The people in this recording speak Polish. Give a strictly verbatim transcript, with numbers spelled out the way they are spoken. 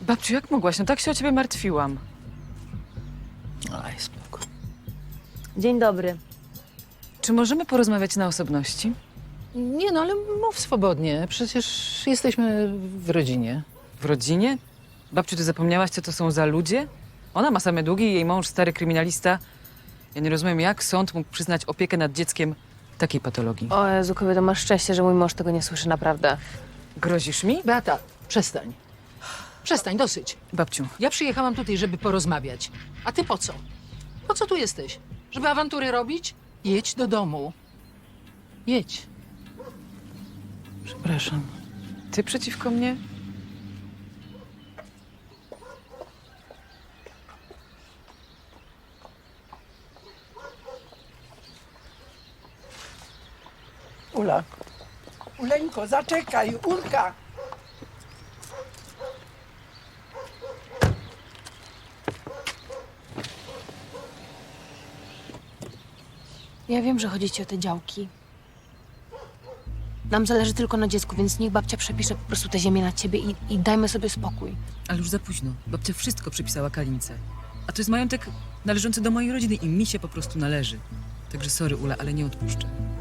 Babciu, jak mogłaś? No tak się o ciebie martwiłam. Aj, spoko. Dzień dobry. Czy możemy porozmawiać na osobności? Nie no, ale mów swobodnie. Przecież jesteśmy w rodzinie. W rodzinie? Babciu, ty zapomniałaś, co to są za ludzie? Ona ma same długi, jej mąż stary kryminalista. Ja nie rozumiem, jak sąd mógł przyznać opiekę nad dzieckiem takiej patologii. O Jezu, kobieto, masz szczęście, że mój mąż tego nie słyszy, naprawdę. Grozisz mi? Beata, przestań. Przestań, dosyć. Babciu, Ja przyjechałam tutaj, żeby porozmawiać. A ty po co? Po co tu jesteś? Żeby awantury robić? Jedź do domu. Jedź. przepraszam. Ty przeciwko mnie? Ula. Uleńko, zaczekaj, Ulka. Ja wiem, że chodzi ci o te działki. Nam zależy tylko na dziecku, więc niech babcia przepisze po prostu tę ziemię na ciebie i, i dajmy sobie spokój. Ale już za późno. Babcia wszystko przypisała Kalince. A to jest majątek należący do mojej rodziny i mi się po prostu należy. Także sorry, Ula, ale nie odpuszczę.